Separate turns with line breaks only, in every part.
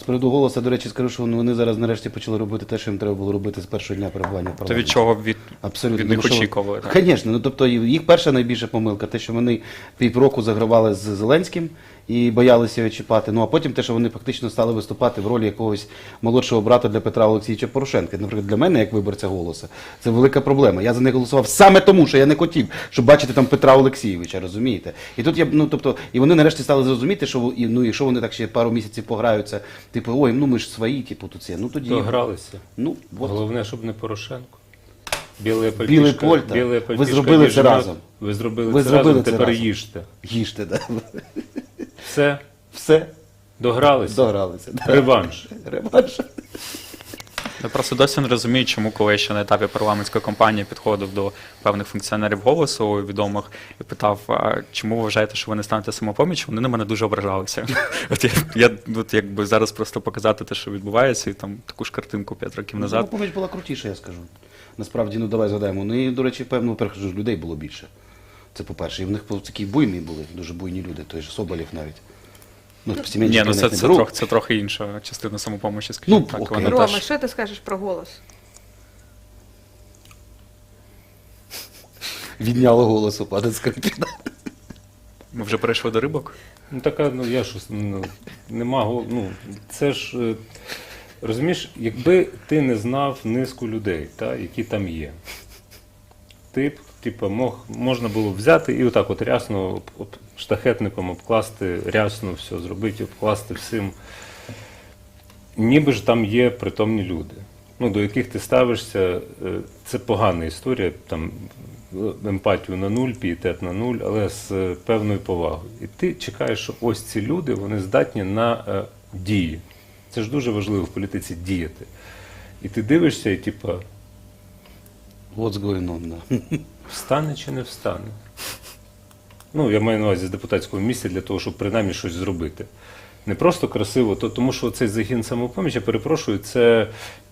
З приводу «Голосу», до речі, скажу, що вони зараз нарешті почали робити те, що їм треба було робити з першого дня перебування в
То
парламенті.
від чого
Абсолютно.
від них
Тому що-
очікували? так?
Звісно, ну тобто їх перша найбільша помилка, те, що вони півроку загравали з Зеленським і боялися його чіпати, ну а потім те, що вони фактично стали виступати в ролі якогось молодшого брата для Петра Олексійовича Порошенка. Наприклад, для мене, як виборця «Голосу», це велика проблема. Я за них голосував саме тому, що я не хотів, щоб бачити там Петра Олексійовича, розумієте? І тут і вони нарешті стали зрозуміти, що якщо вони так ще пару місяців пограються, типу, ой, ну ми ж свої, типу, тут це, ну тоді.
Догралися.
Ну, от.
Головне, щоб не Порошенко. Біле
Білий пальто.
біле
Ви зробили це разом.
Ви зробили
Ви
це
зробили
разом,
це
тепер
разом.
їжте.
Їжте, да.
Все,
Все,
догралися.
догралися. Да.
Реванш.
Реванш.
Я просто досі не розумію, чому, коли я ще на етапі парламентської кампанії підходив до певних функціонерів «Голосу» відомих і питав, а чому ви вважаєте, що ви не станете «Самопоміччю», вони на мене дуже ображалися. От якби зараз просто показати те, що відбувається, і там таку ж картинку 5 років назад.
«Самопоміч» була крутіша, я скажу. Насправді, ну давай згадаємо. Ну і, до речі, певно, по-перше, ж людей було більше. Це по-перше. І в них такі буйні були, дуже буйні люди, той же Соболєв навіть. Ну,
Ні, ну це трохи інша частина «Самопомочі», скажімо
Ну,
так.
окей.
Вона
Рома,
теж...
що ти скажеш про «Голос»?
Відняло голосу, пане Скрипіна.
Ми вже перейшли до рибок?
Ну така, ну я щось, нема, ну це ж, розумієш, якби ти не знав низку людей, які там є, ти б, можна було взяти і отак от рясно штахетником обкласти, рясно все зробити, обкласти всім. Ніби ж там є притомні люди, ну, до яких ти ставишся, це погана історія, там, емпатію на нуль, пієтет на нуль, але з певною повагою. І ти чекаєш, що ось ці люди, вони здатні на дії. Це ж дуже важливо в політиці діяти. І ти дивишся і
What's going on, да.
встане чи не встане? Ну, я маю на увазі з депутатського місця для того, щоб принаймні щось зробити. Не просто красиво, тому що цей загін «Самопоміч», я перепрошую, це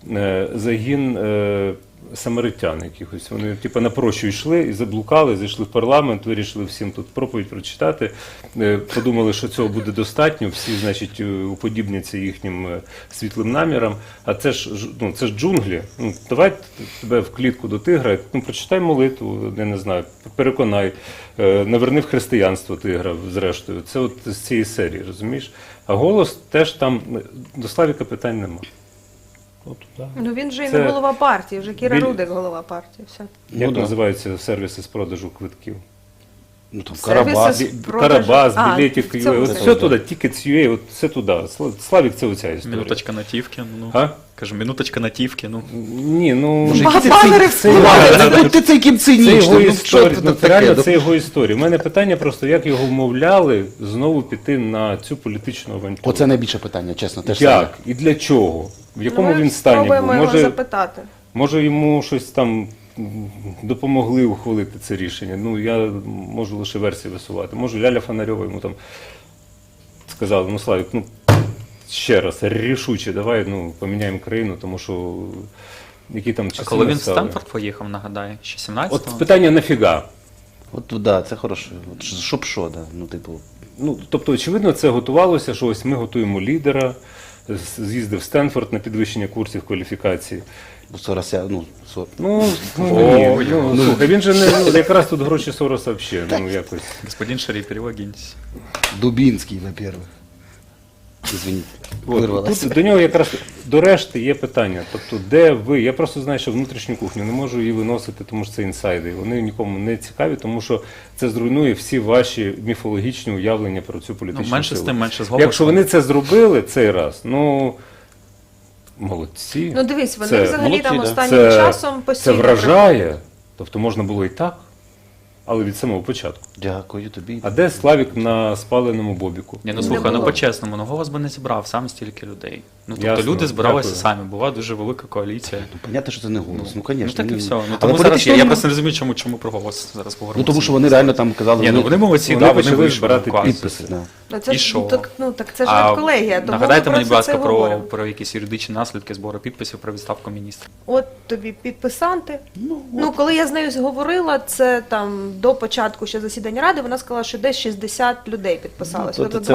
загін самаритян якихось. Вони напрочу йшли і заблукали, зайшли в парламент, вирішили всім тут проповідь прочитати, подумали, що цього буде достатньо, всі, значить, уподібняться їхнім світлим намірам, а це ж джунглі. Ну, давай тебе в клітку до тигра, ну, прочитай молитву, я не знаю, переконай, наверни в християнство тигра, зрештою. Це от з цієї серії, розумієш? А «Голос» теж там, до Славіка питань нема. От, да.
Ну він же і
Це
не голова партії, вже Кіра
біль-
Рудик голова партії. Все.
Як
Ну, да.
називаються сервіси з продажу квитків?
Ну, там
Сервіси
Карабас.
з продажу-
Карабас,
А,
білетик,
в цьому
от
сенсі.
все туди, Tickets.ua, от все туди. Славік, це оця історія.
Минуточка натівки, ну.
А?
Кажу, минуточка натівки, ну.
Ні, ну...
Боже,
Ба-
який
банери
ти
в
цей- ти цей ким
Це
цинічний,
його
ну, що
історія,
це
ну,
таке?
реально
Ну,
це його історія. У мене питання просто, як його вмовляли знову піти на цю політичну авантюру.
Оце найбільше питання, чесно. Те ж саме.
Як? І для чого? В якому
Ну, ми
він стані був?
спробуємо його запитати.
Може йому щось там допомогли ухвалити це рішення. Ну, я можу лише версії висувати. Може, Ляля Фонарьова йому там сказала, ну, Славік, ну, ще раз, рішуче, давай, ну, поміняємо країну, тому що які там часи
А коли він в
настали.
Стенфорд поїхав, нагадаю, ще 17-го?
От питання нафіга?
От, да, це хороше. От, щоб що, да. Ну, типу,
Ну, тобто, очевидно, це готувалося, що ось ми готуємо лідера, з'їздив в Стенфорд на підвищення курсів кваліфікації.
Сорося, ну,
Ну, ні,
Ой,
ну, слухай, він же не, ну, якраз тут гроші Сороса взагалі, ну, якось.
Господин Шарі, перелогіньтесь.
Дубінський, во-первых. Извините,
От,
вирвалося.
тут до нього якраз до решти є питання. Тобто, де ви? Я просто знаю, що внутрішню кухню не можу її виносити, тому що це інсайди. Вони нікому не цікаві, тому що це зруйнує всі ваші міфологічні уявлення про цю політичну
Ну, менше з
силу.
тим, менше з голосом.
Якщо вони це зробили цей раз, ну молодці.
Ну дивись, вони
Це
взагалі
молодці,
там
да.
останнім часом
Це
постійно...
вражає. Тобто можна було і так, але від самого початку.
Дякую тобі.
А де Славік на спаленому бобіку?
Ні, ну
Не
слухай, ну
було.
по-чесному, ну голос би не зібрав сам стільки людей. Ну, тобто
Ясно,
люди збиралися
дякую.
самі, була дуже велика коаліція.
Понятно, що це не голос. Ну, звісно.
Ну так і все. Ну,
Але
тому зараз
політично
я
вони-
просто не розумію, чому про голос зараз говоримо.
Ну, тому що вони реально там казали,
Ні, ну вони молодці,
вони
да, вони
почали
вийшли
збирати
класно.
підписи. Да.
Ну, це
І
ж,
що?
так це ж не колегія, тому
нагадайте
ми
мені, будь
про це
ласка,
говоримо.
про якісь юридичні наслідки збору підписів про відставку міністра.
От тобі підписанти. Ну, коли я з нею зговорила, це там до початку ще засідання ради, вона сказала, що десь 60 людей підписалось.
Ну, то
Тобто
це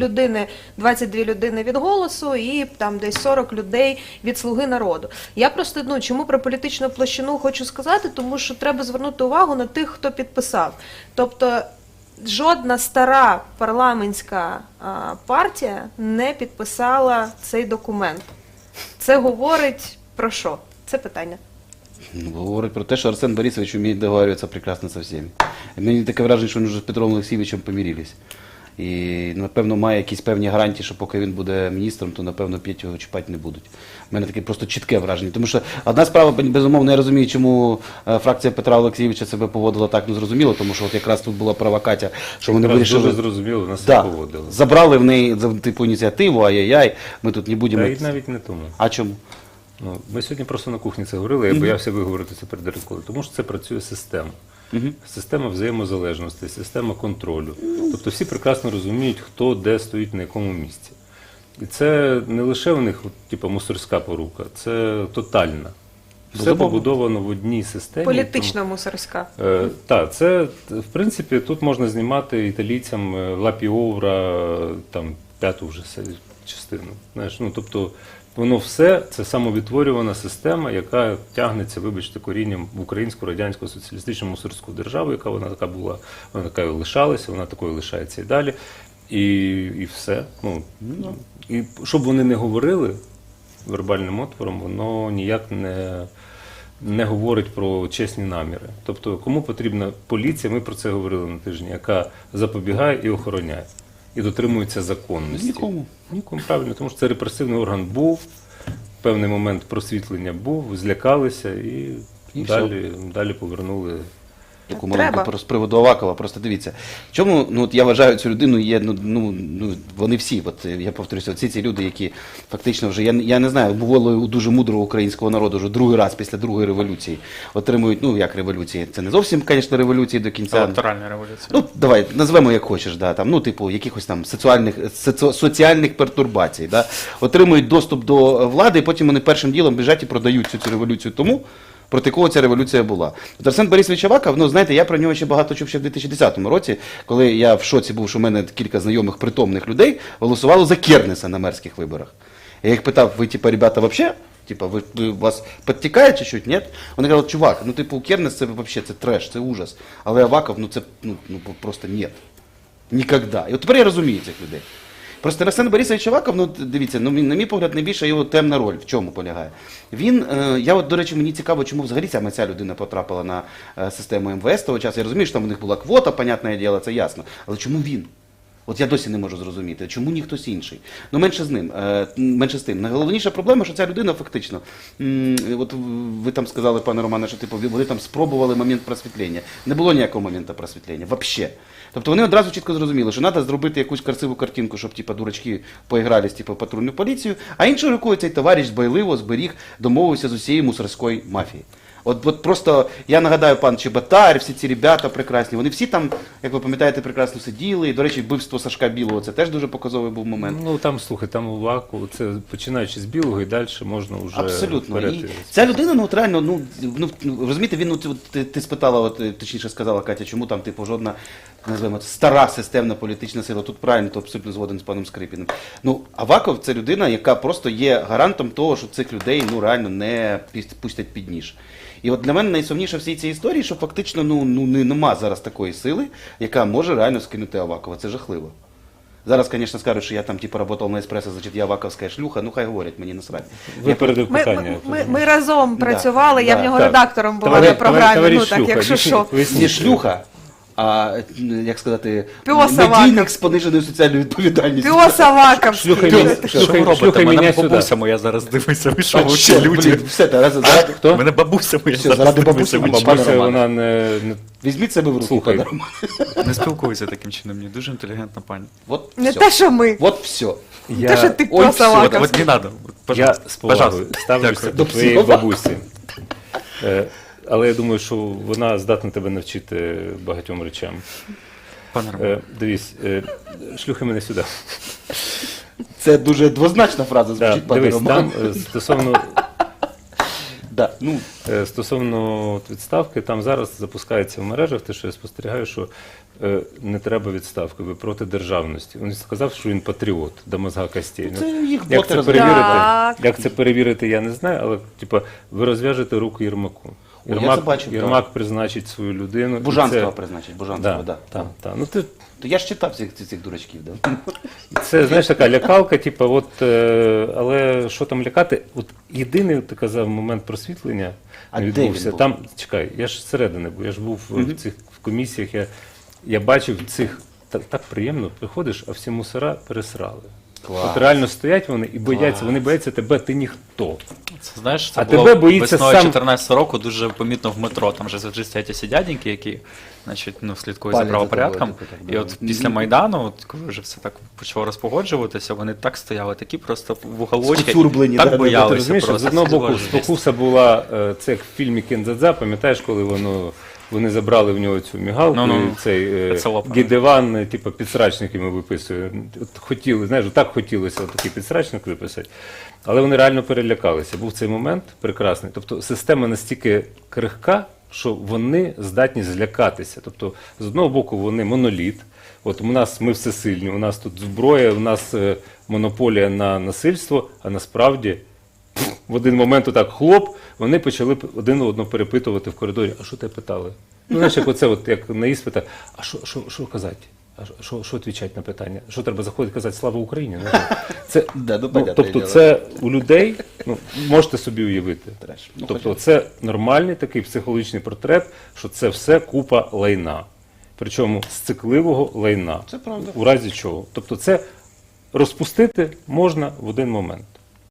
22 людини від голосу і там десь 40 людей від Слуги народу. Я просто, ну, чому про політичну площину хочу сказати, тому що треба звернути увагу на тих, хто підписав. Тобто жодна стара парламентська партія не підписала цей документ. Це говорить про що? Це питання.
Ну, говорить про те, що Арсен Борисович вміє договарюватися прекрасно со всіми. І мені таке враження, що вони вже з Петром Олексійовичем помирились. І, напевно, має якісь певні гарантії, що поки він буде міністром, то, напевно, п'ять його чіпати не будуть. У мене таке просто чітке враження. Тому що одна справа, безумовно, я розумію, чому фракція Петра Олексійовича себе поводила так незрозуміло, тому що от якраз тут була права Катя, що вони
Якраз
вирішили...
дуже зрозуміло, нас
Да,
не поводили.
забрали в неї типу ініціативу, ай-яй-яй, ми тут не будемо...
Та й навіть не тому.
А чому?
Ну, ми сьогодні просто на кухні це говорили, я боявся виговорити це перед рекою, тому що це працює система. Система взаємозалежності, система контролю. Тобто всі прекрасно розуміють, хто де стоїть на якому місці. І це не лише у них типу, мусорська порука, це тотальна. Все
Безумовно.
побудовано в одній системі.
Політична мусорська.
Так, це, в принципі, тут можна знімати італійцям Лапіовра, там, п'яту вже частину. Знаєш, ну, тобто, воно все це самовідтворювана система, яка тягнеться, вибачте, корінням в українську радянську соціалістичну мусорську державу, яка вона така була, вона такою лишалася, вона такою лишається і далі. І все. Ну, і щоб вони не говорили вербальним отвором, воно ніяк не говорить про чесні наміри. Тобто, кому потрібна поліція, ми про це говорили на тижні, яка запобігає і охороняє. І дотримується законності.
Нікому.
Нікому, правильно, тому що це репресивний орган був, в певний момент просвітлення був, злякалися і далі повернули.
Таку
Треба.
маленьку з приводу Авакова. Просто дивіться. Чому, ну, от я вважаю цю людину, є, вони всі, от я повторюся, ці люди, які фактично вже, я не знаю, бувало у дуже мудрого українського народу, вже другий раз після другої революції отримують, ну, як революції, це не зовсім, звісно, революції до кінця.
Електоральна революція.
Ну, давай, назвемо як хочеш, да, там, ну, типу, якихось там соціальних пертурбацій, да, отримують доступ до влади, і потім вони першим ділом біжать і продають цю революцію тому, проти кого ця революція була. От Арсен Борисович Аваков, ну, знаєте, я про нього ще багато чув ще в 2010 році, коли я в шоці був, що в мене кілька знайомих притомних людей голосувало за Кернеса на мерських виборах. Я їх питав, ви, типа, ребята, вообще? Типа, ви вас підтікає чи щось? Ні? Вони кажуть, чувак, ну, типу, Кернес це вообще, це треш, це ужас. Але Аваков, ну, це, ну просто ні. Нікогда. І от тепер я розумію цих людей. Просто Арсен Борисович Аваков, ну дивіться, ну на мій погляд, найбільша його темна роль. В чому полягає? Він, я от, до речі, мені цікаво, чому взагалі саме ця людина потрапила на систему МВС того часу. Я розумію, що там у них була квота, понятне діло, це ясно. Але чому він? От я досі не можу зрозуміти, чому ні хтось інший. Ну, менше з тим. Найголовніша проблема, що ця людина фактично, от ви там сказали, пане Романе, що типу, вони там спробували момент просвітлення. Не було ніякого моменту просвітлення, вообще. Тобто вони одразу чітко зрозуміли, що треба зробити якусь красиву картинку, щоб типу, дурачки поігрались типу, в патрульну поліцію, а іншою рукою цей товариш дбайливо зберіг, домовився з усією мусорської мафії. От просто, я нагадаю, пан Чеботар, всі ці ребята прекрасні, вони всі там, як ви пам'ятаєте, прекрасно сиділи, і, до речі, вбивство Сашка Білого, це теж дуже показовий був момент.
Ну там, слухай, там у Ваку, це починаючи з білого і далі можна вже
Абсолютно.
вперед.
І ця людина, ну от реально, ну розумієте, він, ти спитала, от, точніше сказала Катя, чому там, типу, жодна, називаємо, стара системна політична сила, тут правильно, то абсолютно згоден з паном Скрипіним. Ну, Аваков це людина, яка просто є гарантом того, що цих людей, ну, реально не пустять під ніж. І от для мене найсумніше в всій цій історії, що фактично нема зараз такої сили, яка може реально скинути Авакова. Це жахливо. Зараз, звісно, скажуть, що я там типу працював на еспресо, значить я аваковська шлюха, ну хай говорять, мені насрать.
Випередив питання.
Ми разом працювали, я в нього
так.
редактором була
Товариш-
на програмі,
товариш
ну так,
шлюха,
якщо що.
Не шлюха, а, як сказати,
Пьос
медійник
Аваков.
з пониженою соціальною відповідальністю.
Піос Аваков.
Шлюха
Піос.
мене-
Що
шлюха-
ви робите?
шлюха
Мене
мене
бабуся
сюди.
моя зараз дивиться, ви що
А,
ви
ще,
люди?
блін, все, заради,
Хто?
Мене бабуся моя
Все,
зараз
заради
дивиться,
бабусі,
ви
мама,
що?
пане
Бабуся,
Романе.
вона не
Візьміть себе в руки,
Слухай.
пане Романе.
Не спілкуюся таким чином, ні. Дуже інтелігентна пані.
От
Не
все.
те, що ми.
От все.
Те, що ти
Ой,
про
все,
Салака.
вот не надо.
Я
Пожалуйста.
з повагою
Пожалуйста.
ставлюся
Дякую.
до твоєї
слова.
бабусі. Але я думаю, що вона здатна тебе навчити багатьом речам.
Пане Романе.
Дивись, шлюхи мене сюди.
Це дуже двозначна фраза
Да,
звучить, пане
дивись,
Роман.
там стосовно
Да, ну,
Стосовно от відставки, там зараз запускається в мережах те, що я спостерігаю, що не треба відставки, ви проти державності. Він сказав, що він патріот до мозга костей.
це їх
Як
боти
це
розуміють.
перевірити?
Так.
Як це перевірити, я не знаю, але типа ви розв'яжете руку Єрмаку.
О, я це бачив,
Єрмак призначить свою людину. і
Бужанського
це-
призначить, Бужанського,
Да,
да.
так. Ну, ти,
То я ж читав цих дурачків, да.
це, знаєш, така лякалка, типу, але що там лякати? От єдиний, ти казав, момент просвітлення
А
не
де
відбувся.
він був?
Там, чекай, я ж зсередини був, я ж був в цих в комісіях, я бачив цих, так приємно, приходиш, а всі мусора пересрали.
Клас.
От реально стоять вони і бояться, вони бояться тебе, ти ніхто.
Це, знаєш, це
А
було
тебе боїться
весною
сам-
14 року дуже помітно в метро. Там же завжди стоять ці дяденьки, які значить, ну, слідкують
Палять
за
за
правопорядком.
тобою, типу, так,
І
да.
от після Майдану, от, коли вже все так почало розпогоджуватися, вони так стояли, такі просто в уголочки,
Скуцюрблені, да,
так
да, да,
Ти
боялися
розумієш,
просто.
з одного
Це
боку
було жесть.
спокуса була, це як в фільмі Кендзадза, пам'ятаєш, коли вони забрали в нього цю мігалку,
Ну-ну.
і цей
Пецелопа.
Гідеван, типу, підсрачник йому виписує. От хотіли, знаєш, так хотілося такий підсрачник виписати. Але вони реально перелякалися. Був цей момент прекрасний. Тобто система настільки крихка, що вони здатні злякатися. Тобто, з одного боку, вони моноліт. От у нас ми всесильні, у нас тут зброя, у нас монополія на насильство, а насправді в один момент отак хлоп, вони почали один одного перепитувати в коридорі, а що тебе питали? Ну, знаєш, як оце, от, як на іспитах, а що казати? А що відповідати на питання? Що треба заходити казати «Слава Україні»? Це,
Да, ну,
ну,
понятне
тобто
діло.
це у людей, ну, можете собі уявити.
Треш. Ну,
Тобто
хоча б.
це нормальний такий психологічний портрет, що це все купа лайна. Причому сцикливого лайна.
Це правда.
У разі чого. Тобто це розпустити можна в один момент.